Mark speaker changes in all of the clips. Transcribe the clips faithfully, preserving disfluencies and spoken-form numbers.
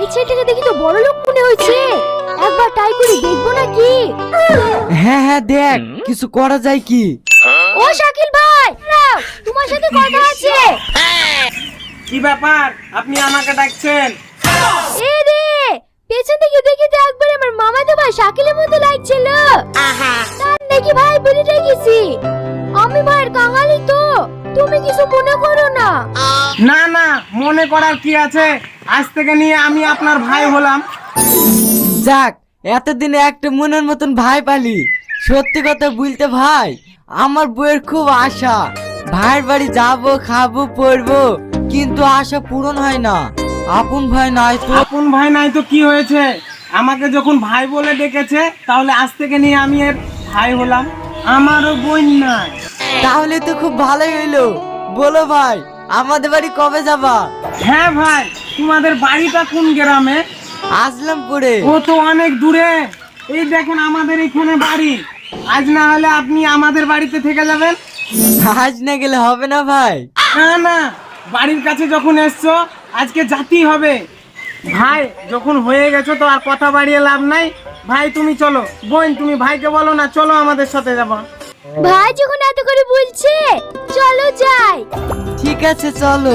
Speaker 1: ছেলেটাকে দেখি তো বড় লোক মনে হচ্ছে, একবার ট্রাই করে দেখবো নাকি?
Speaker 2: হ্যাঁ হ্যাঁ দেখ কিছু করা যায় কি।
Speaker 1: ও শাকিল ভাই, দাঁড়াও, তোমার সাথে কথা আছে।
Speaker 3: কি ব্যাপার, আপনি আমাকে ডাকছেন?
Speaker 1: এ রে, পেছন থেকে দেখি তো একবার আমার মামাতো ভাই শাকিলের মতো লাগছিল। তার নাকি ভাই বলে রেখেছি। আমি ভাইয়ের কাঙালি তো, তুমি কিছু মনে করো না।
Speaker 3: না না, মনে করার কি আছে, আজ থেকে নিয়ে আমি আপনার ভাই হলাম।
Speaker 2: যাক, এতদিনে একটা মনের মতন ভাই পালি। সত্যি কথা বলতে ভাই, আমার বউয়ের খুব আশা ভাইয়ের বাড়ি যাবো, খাবো, পড়বো, কিন্তু আশা পূরণ হয় না। আপন ভাই নাই তো।
Speaker 3: আপন ভাই নাই তো কি হয়েছে, আমাকে যখন ভাই বলে ডেকেছে তাহলে আজ থেকে নিয়ে আমি এর ভাই হলাম। আমারও বোন নাই।
Speaker 2: তাহলে তো খুব ভালোই হইলো। বলো ভাই, আমাদের বাড়ি কবে যাবা?
Speaker 3: হ্যাঁ ভাই, তোমাদের বাড়িটা কোন গ্রামে?
Speaker 2: আসলাম পরে।
Speaker 3: ও তো অনেক দূরে। এই দেখেন আমাদের এখানে বাড়ি। আজ না হলে আপনি আমাদের বাড়িতে থেকে যাবেন।
Speaker 2: আজ না গেলে হবে না ভাই।
Speaker 3: না না, বাড়ির কাছে যখন এসছো আজকে যাতেই হবে। ভাই যখন হয়ে গেছো তো আর কথা বাড়িয়ে লাভ নাই। ভাই তুমি চলো, বোন তুমি ভাইকে বলো না চলো আমাদের সাথে যাবা।
Speaker 1: ভাই যখন এত করে বলছে, চলো যাই।
Speaker 2: ঠিক আছে চলো।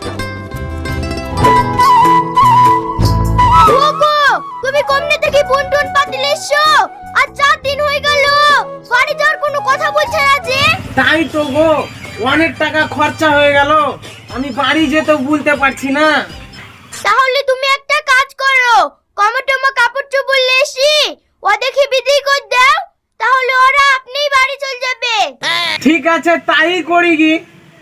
Speaker 1: ওগো, তুমি কমনে থেকে বোন টোন পাতিল এসছো, আর চার দিন হয়ে গেল বাড়ি যাওয়ার কোনো কথা বলছে না যে।
Speaker 3: তাই তো গো, অনেক টাকা খরচা হয়ে গেল, আমি বাড়ি যেতে বলতে পারছি না।
Speaker 1: তাহলে তুমি একটা কাজ করো, কমটমা কাপড় চোপড় লেসি ও দেখে বিদায় করে দাও, তাহলে ওরা আপনিই বাড়ি চলে যাবে।
Speaker 3: ঠিক আছে তাই করি কি।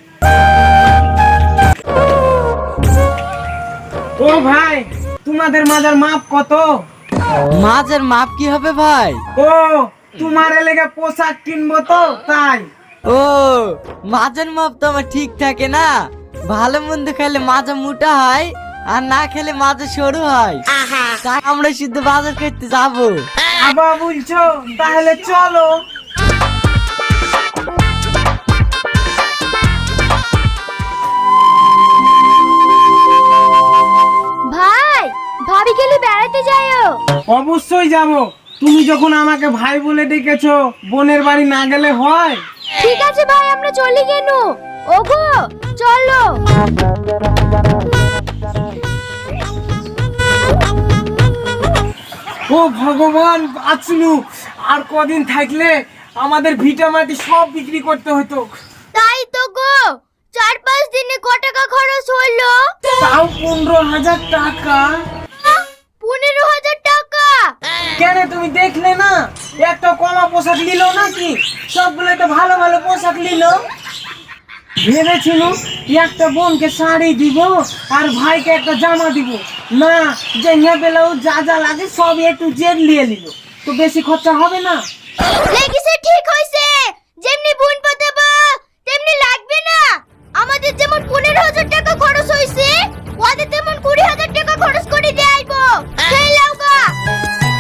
Speaker 3: ও ভাই, তোমাদের মাজার মাপ কত?
Speaker 2: মাছের মাপ কি হবে ভাই?
Speaker 3: ও, তোমার এলাকা পোশাক কিনবো তো তাই।
Speaker 2: ও, মাছের মাপ তো আমার ঠিক থাকে না। ভালো মন্দ খেলে মাজা মোটা হয়, আর না খেলে মাজা সরু হয়। তাই আমরা শুধু বাজার করতে যাবো।
Speaker 3: আবার বলছো, তাহলে চলো।
Speaker 1: ভাই, ভাবি গেলে বেড়াতে যাইও।
Speaker 3: অবশ্যই যাব। তুমি যখন আমাকে ভাই বলে ডেকেছো, বোনের বাড়ি না গেলে হয়?
Speaker 1: ঠিক আছে ভাই, আমরা চলে গেল। ওগো চলো।
Speaker 3: ও ভগবান, বাঁচলু। আর কদিন থাকলে আমাদের ভিটা মাটি সব বিক্রি করতে হতো।
Speaker 1: তাই তো গো, চার পাঁচ দিনে ক টাকা খরচ হলো?
Speaker 3: তাও পনেরো হাজার টাকা।
Speaker 1: পনেরো হাজার টাকা?
Speaker 3: কেন তুমি দেখলে না, একটা কমা পোশাক নিল নাকি? সবগুলো তো ভালো ভালো পোশাক নিল। ভেবেছিল একটা বোনকে শাড়ি দিব আর ভাইকে একটা জামা দিব, না যে ব্লাউজ যা যা লাগে সব একটু জেড নিয়ে নিল, তো বেশি খরচা হবে না।
Speaker 1: লেগেছে, ঠিক হইছে। যেমনি বোন পাতে